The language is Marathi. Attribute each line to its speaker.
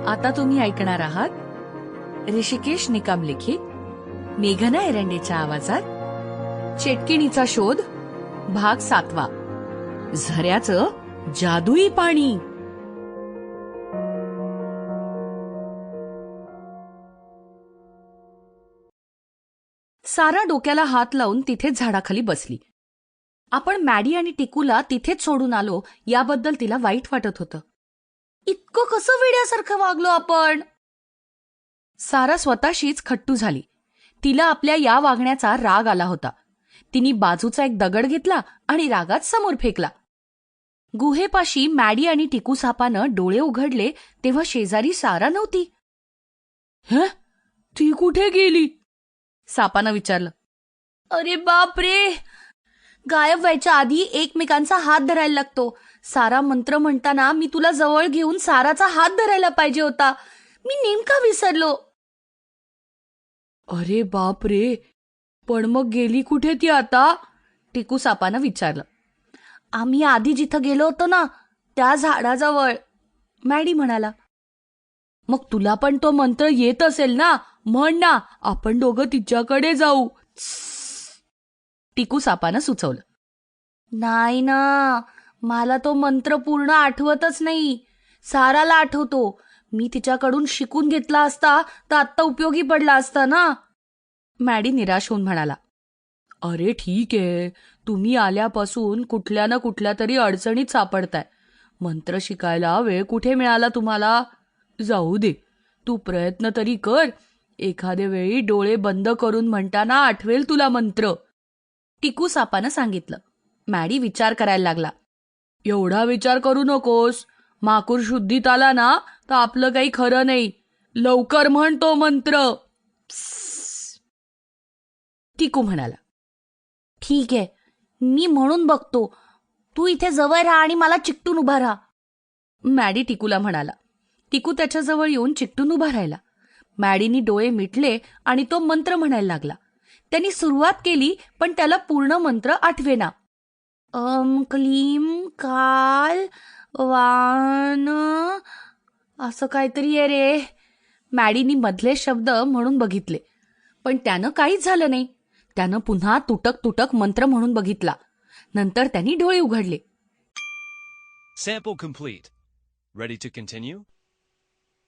Speaker 1: आता तुम्ही ऐकणार आहात ऋषिकेश निकम लिखित मेघना एरंडेच्या आवाजात चेटकिणीचा शोध भाग 7. झऱ्याचं जादुई पाणी. सारा डोक्याला हात लावून तिथेच झाडाखाली बसली. आपण मॅडी आणि टिकूला तिथेच सोडून आलो याबद्दल तिला वाईट वाटत होतं. इतकं कसं वेड्यासारखं वागलो आपण. सारा स्वतःशीच खट्टू झाली. तिला आपल्या या वागण्याचा राग आला होता. तिने बाजूचा एक दगड घेतला आणि रागात समोर फेकला. गुहेपाशी मॅडी आणि टिकू सापानं डोळे उघडले तेव्हा शेजारी सारा नव्हती. ती कुठे गेली? सापानं विचारलं. अरे बाप रे, गायब व्हायच्या आधी एकमेकांचा हात धरायला लागतो. सारा मंत्र म्हणताना मी तुला जवळ घेऊन साराचा हात धरायला पाहिजे होता. मी नेमका विसरलो. अरे बाप रे, पण मग गेली कुठे ती आता? टिकू सापानं विचारलं. आम्ही आधी जिथं गेलो होतो ना त्या झाडाजवळ, मॅडी म्हणाला. मग तुला पण तो मंत्र येत असेल ना, म्हण ना, आपण दोघं तिच्याकडे जाऊ. टिकू सापानं सुचवलं. नाही ना, मला तो मंत्र पूर्ण आठवतच नाही. साराला आठवतो. मी तिच्याकडून शिकून घेतला असता तर आत्ता उपयोगी पडला असता ना. मॅडी निराश होऊन म्हणाला. अरे ठीक आहे, तुम्ही आल्यापासून कुठल्या ना कुठल्या तरी अडचणीत सापडताय. मंत्र शिकायला वेळ कुठे मिळाला तुम्हाला? जाऊ दे, तू प्रयत्न तरी कर. एखाद्या वेळी डोळे बंद करून म्हणताना आठवेल तुला मंत्र, टिकू सापानं सांगितलं. मॅडी विचार करायला लागला. एवढा विचार करू नकोस. माकूर शुद्धीत आला ना तर आपलं काही खरं नाही. लवकर म्हण तो मंत्र. टिकू म्हणाला. ठीक आहे, मी म्हणून बघतो. तू इथे जवळ राहा आणि मला चिकटून उभा राहा. मॅडी टिकूला म्हणाला. टिकू त्याच्याजवळ येऊन चिकटून उभा राहिला. मॅडीनी डोळे मिटले आणि तो मंत्र म्हणायला लागला. त्यांनी सुरुवात केली पण त्याला पूर्ण मंत्र आठवेना. क्लीम काल वान असं काहीतरी आहे रे. मॅडीनी मधले शब्द म्हणून बघितले पण त्यानं काहीच झालं नाही. त्यानं पुन्हा तुटक तुटक मंत्र म्हणून बघितला. नंतर त्यांनी डोळे उघडले.
Speaker 2: Sample complete. Ready to continue?